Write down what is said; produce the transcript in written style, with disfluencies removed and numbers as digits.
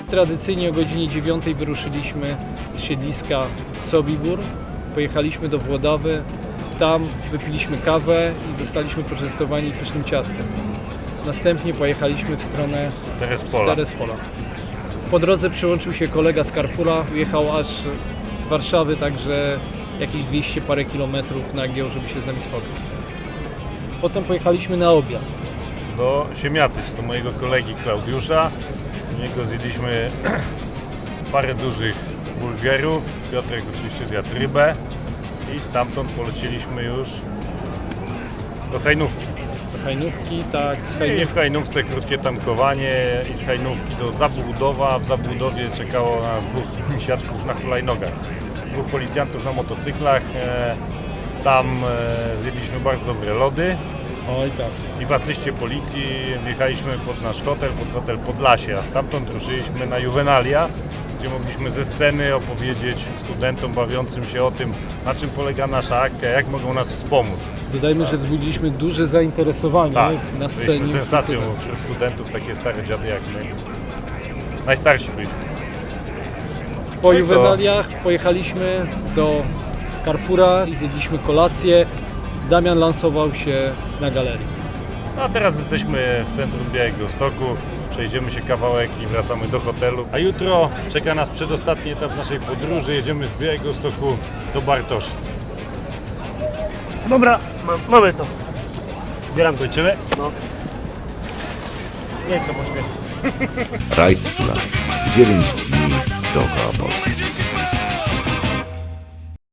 tradycyjnie o godzinie 9 wyruszyliśmy z siedliska Sobibór. Pojechaliśmy do Włodawy, tam wypiliśmy kawę i zostaliśmy poczęstowani pysznym ciastem. Następnie pojechaliśmy w stronę Terespola. Po drodze przyłączył się kolega z Carrefoura, jechał aż z Warszawy, także jakieś 200 parę kilometrów nagiął, żeby się z nami spotkać. Potem pojechaliśmy na obiad. Do Siemiatycz, do mojego kolegi Klaudiusza. U niego zjedliśmy parę dużych burgerów. Piotrek oczywiście zjadł rybę i stamtąd poleciliśmy już do Hajnówki. Do Hajnówki, tak, z I Hajnówki. w Hajnówce krótkie tankowanie i z Hajnówki do Zabłudowa. W Zabłudowie czekało nas dwóch misiaczków na hulajnogach. Dwóch policjantów na motocyklach. Tam zjedliśmy bardzo dobre lody. Oj tak. I w asyście policji wjechaliśmy pod nasz hotel, pod hotel Podlasie, a stamtąd ruszyliśmy na Juvenalia, gdzie mogliśmy ze sceny opowiedzieć studentom bawiącym się o tym, na czym polega nasza akcja, jak mogą nas wspomóc. Dodajmy, że wzbudziliśmy duże zainteresowanie Tak, na scenie. byliśmy sensacją wśród studentów, takie stare dziady jak my. Najstarsi byliśmy. Po No i co? Juvenaliach pojechaliśmy do Carrefoura i zjedliśmy kolację. Damian lansował się na galerii. A teraz jesteśmy w centrum Białegostoku, przejdziemy się kawałek i wracamy do hotelu. A jutro czeka nas przedostatni etap naszej podróży, jedziemy z Białegostoku do Bartoszyc. Dobra, mamy to. Zbieram się. Kończymy? No. Nie chcę pośpieszyć. Ride to Life. 9 dni dookoła Polski.